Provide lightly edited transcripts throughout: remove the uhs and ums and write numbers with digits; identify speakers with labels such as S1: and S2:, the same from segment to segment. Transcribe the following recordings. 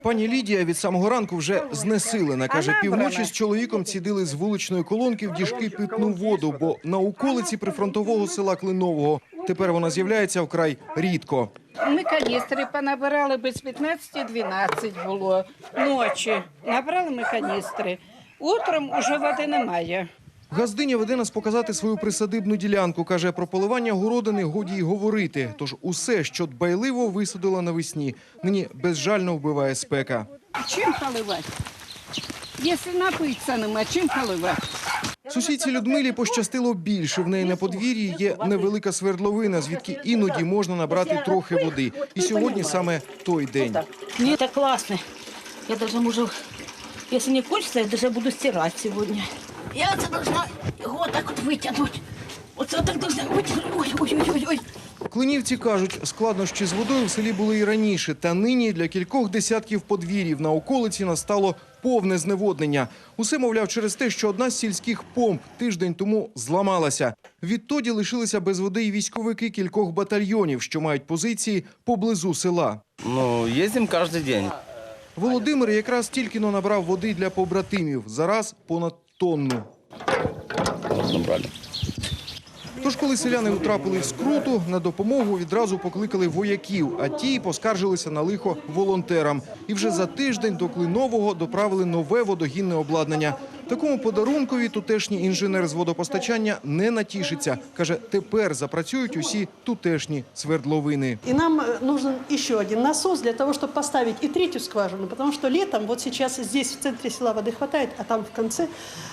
S1: Пані Лідія від самого ранку вже знесилена. Каже, півночі з чоловіком цідили з вуличної колонки в діжки питну воду, бо на околиці прифронтового села Клинового. Тепер вона з'являється вкрай рідко.
S2: Ми каністри понабирали без 15-12 було ночі. Набрали ми каністри. Утром уже води немає.
S1: Газдиня веде нас показати свою присадибну ділянку. Каже, про поливання городини годі й говорити. Тож усе, що дбайливо висадила навесні, нині безжально вбиває спека.
S2: Чим поливати? Якщо напитися нема, чим поливати?
S1: Сусідці Людмилі пощастило більше. В неї на подвір'ї є невелика свердловина, звідки іноді можна набрати трохи води. І сьогодні саме той день.
S3: Мне это классно. Я даже можу, если не хочется, я даже буду стирать сегодня. Я это должна вот так вот вытянуть. Вот так должна вытянуть. Ой-ой-ой-ой.
S1: Клинівці кажуть, складнощі з водою в селі були і раніше. Та нині для кількох десятків подвір'їв на околиці настало повне зневоднення. Усе, мовляв, через те, що одна з сільських помп тиждень тому зламалася. Відтоді лишилися без води і військовики кількох батальйонів, що мають позиції поблизу села.
S4: Ездим каждый день.
S1: Володимир якраз тільки-но набрав води для побратимів. Зараз понад тонну.
S4: Набрали.
S1: Тож, коли селяни утрапили в скруту, на допомогу відразу покликали вояків, а ті поскаржилися на лихо волонтерам. І вже за тиждень до Клинового доправили нове водогінне обладнання. Такому подарункові тутешній інженер з водопостачання не натішиться. Каже, тепер запрацюють усі тутешні свердловини.
S5: И нам нужен еще один насос для того, чтобы поставить и третью скважину, потому что летом, вот сейчас здесь в центре села воды хватает, а там в конце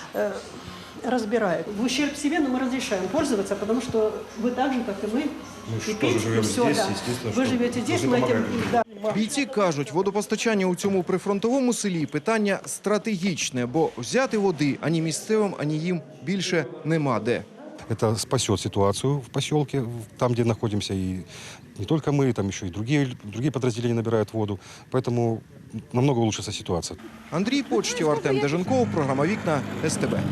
S5: разбирают. В ущерб себе, но мы разрешаем пользоваться, потому что вы так же, как и мы, и пить, и все, да. Вы живете здесь, мы этим, да.
S1: Бійці кажуть, водопостачання у цьому прифронтовому селі – питання стратегічне, бо взяти води ані місцевим, ані їм більше нема де.
S6: Это спасет ситуацию в поселке, там, где находимся. И не только мы, там еще и другие подразделения набирают воду. Поэтому намного улучшится ситуация.
S1: Андрій Почтів, Артем Деженков, програма «Вікна», СТБ.